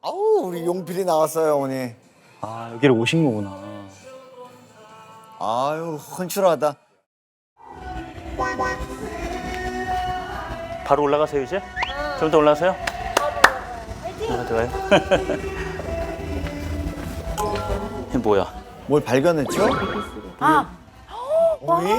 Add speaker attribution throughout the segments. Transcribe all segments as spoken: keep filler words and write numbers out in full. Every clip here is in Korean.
Speaker 1: 아우 우리 용필이 나왔어요 어머니.
Speaker 2: 아, 여기를 오신 거구나.
Speaker 1: 아유 헌칠하다.
Speaker 3: 바로 올라가세요 이제? 좀 더 올라가세요? 아, 들어가요? 이게 뭐야?
Speaker 1: 뭘 발견했죠?
Speaker 4: 아,
Speaker 1: 어머니?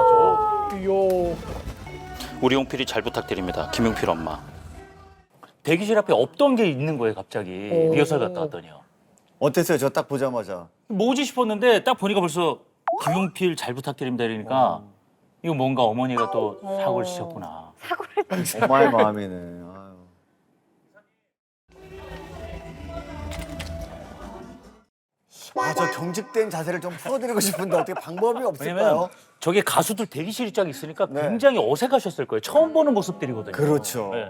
Speaker 3: 우리 용필이 잘 부탁드립니다. 김용필 엄마. 대기실 앞에 없던 게 있는 거예요 갑자기. 리허설 갔다 왔더니요.
Speaker 1: 어땠어요? 저 딱 보자마자.
Speaker 3: 뭐지 싶었는데 딱 보니까 벌써 김용필 잘 부탁드립니다 이러니까 이거 뭔가 어머니가 또 사고를 치셨구나.
Speaker 1: 엄마의 마음이네. 아유. 아, 저 경직된 자세를 좀 풀어드리고 싶은데 어떻게 방법이 없을까요?
Speaker 3: 왜냐면 저게 가수들 대기실이 쫙 있으니까
Speaker 1: 네.
Speaker 3: 굉장히 어색하셨을 거예요. 처음 보는 모습들이거든요.
Speaker 1: 그렇죠.
Speaker 3: 네.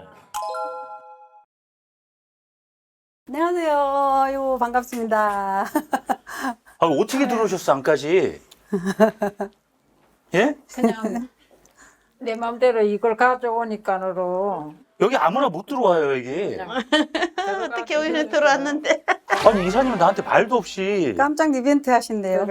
Speaker 5: 안녕하세요. 아이고 반갑습니다.
Speaker 3: 아, 어떻게 들어오셨어 안까지? 예?
Speaker 4: 그냥 내 맘대로 이걸 가져오니까로
Speaker 3: 여기 아무나 못 들어와요 여기.
Speaker 6: 어떻게 우리는 들어왔는데.
Speaker 3: 아니 이사님은 나한테 말도 없이.
Speaker 5: 깜짝 이벤트 하신대요.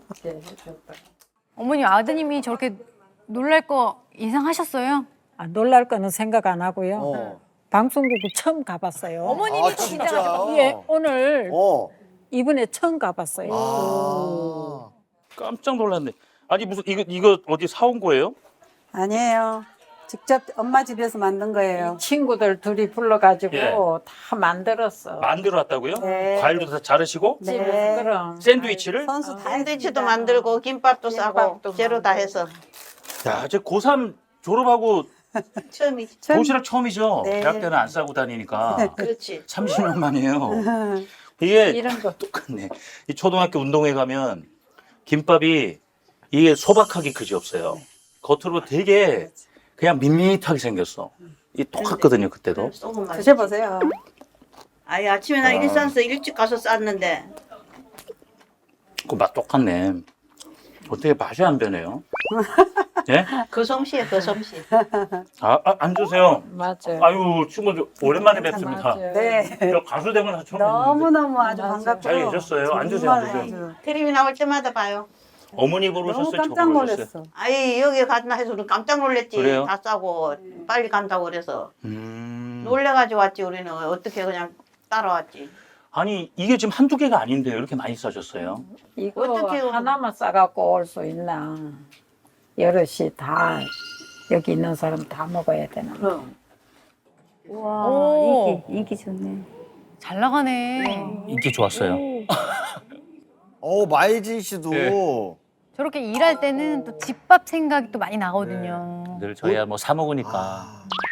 Speaker 7: 어머님 아드님이 저렇게 놀랄 거 예상하셨어요?
Speaker 4: 아, 놀랄 거는 생각 안 하고요.
Speaker 1: 어.
Speaker 4: 방송국을 처음 가봤어요.
Speaker 7: 어머님이
Speaker 1: 아, 진짜요?
Speaker 7: 긴장하셨고
Speaker 4: 예, 오늘
Speaker 1: 어.
Speaker 4: 이번에 처음 가봤어요.
Speaker 1: 아.
Speaker 3: 깜짝 놀랐네. 아니 무슨 이거 이거 어디 사온 거예요?
Speaker 5: 아니에요. 직접 엄마 집에서 만든 거예요.
Speaker 4: 친구들 둘이 불러가지고
Speaker 3: 예.
Speaker 4: 다 만들었어.
Speaker 3: 만들어 왔다고요?
Speaker 5: 네.
Speaker 3: 과일도 다 자르시고
Speaker 5: 네.
Speaker 4: 집에서 그럼.
Speaker 3: 샌드위치를?
Speaker 5: 선수 다
Speaker 6: 샌드위치도
Speaker 5: 했습니다.
Speaker 6: 만들고 김밥도 싸고
Speaker 4: 김밥도
Speaker 6: 재료 다 해서
Speaker 3: 야, 제 고삼 졸업하고
Speaker 6: 처음이지.
Speaker 5: 처음-
Speaker 3: 도시락 처음이죠.
Speaker 5: 네.
Speaker 3: 대학 때는 안 싸고 다니니까
Speaker 6: 그렇지.
Speaker 3: 삼십 년 만이에요. 이게
Speaker 4: 이런 거.
Speaker 3: 똑같네. 이 초등학교 운동회 가면 김밥이 이게 소박하기 그지 없어요. 겉으로 되게 그냥 밋밋하게 생겼어. 이 똑같거든요 그때도.
Speaker 6: 소금 맛.
Speaker 5: 드셔보세요.
Speaker 6: 아예 아침에 나 일산서 일찍 가서 쌌는데
Speaker 3: 그 맛 똑같네. 어떻게 맛이 안 변해요? 예?
Speaker 6: 그 솜씨에 그 솜씨.
Speaker 3: 아, 아 앉으세요.
Speaker 4: 맞아요.
Speaker 3: 아유 친구들 오랜만에 뵙습니다.
Speaker 4: 맞아요.
Speaker 5: 네.
Speaker 3: 저 가수 되면 처음 뵙는데
Speaker 5: 너무너무 아주
Speaker 4: 맞아요.
Speaker 5: 반갑고
Speaker 3: 잘 계셨어요? 앉으세요,
Speaker 5: 정말
Speaker 3: 앉으세요.
Speaker 5: 아주
Speaker 6: 텔레비 나올 때마다 봐요.
Speaker 3: 어머니
Speaker 5: 너무
Speaker 3: 부르셨어요?
Speaker 5: 깜짝
Speaker 3: 저 부르셨어요?
Speaker 5: 놀랐어.
Speaker 6: 아이 여기 갔나 해서 우리 깜짝 놀랬지.
Speaker 3: 그래요?
Speaker 6: 다 싸고 빨리 간다고 그래서
Speaker 3: 음.
Speaker 6: 놀래가지고 왔지. 우리는 어떻게 그냥 따라왔지.
Speaker 3: 아니 이게 지금 한두 개가 아닌데요. 이렇게 많이 싸셨어요?
Speaker 4: 이거
Speaker 6: 어떻게
Speaker 4: 하나만 싸갖고 올 수 있나. 여럿이 다 여기 있는 사람 다 먹어야 되나.
Speaker 6: 그럼.
Speaker 7: 와, 인기,
Speaker 5: 인기 좋네.
Speaker 7: 잘 나가네.
Speaker 3: 인기 좋았어요.
Speaker 1: 어 마이진 씨도.
Speaker 3: 네.
Speaker 7: 저렇게 일할 때는 또 집밥 생각이 또 많이 나거든요.
Speaker 3: 늘 저희야 뭐 사 먹으니까.
Speaker 1: 아.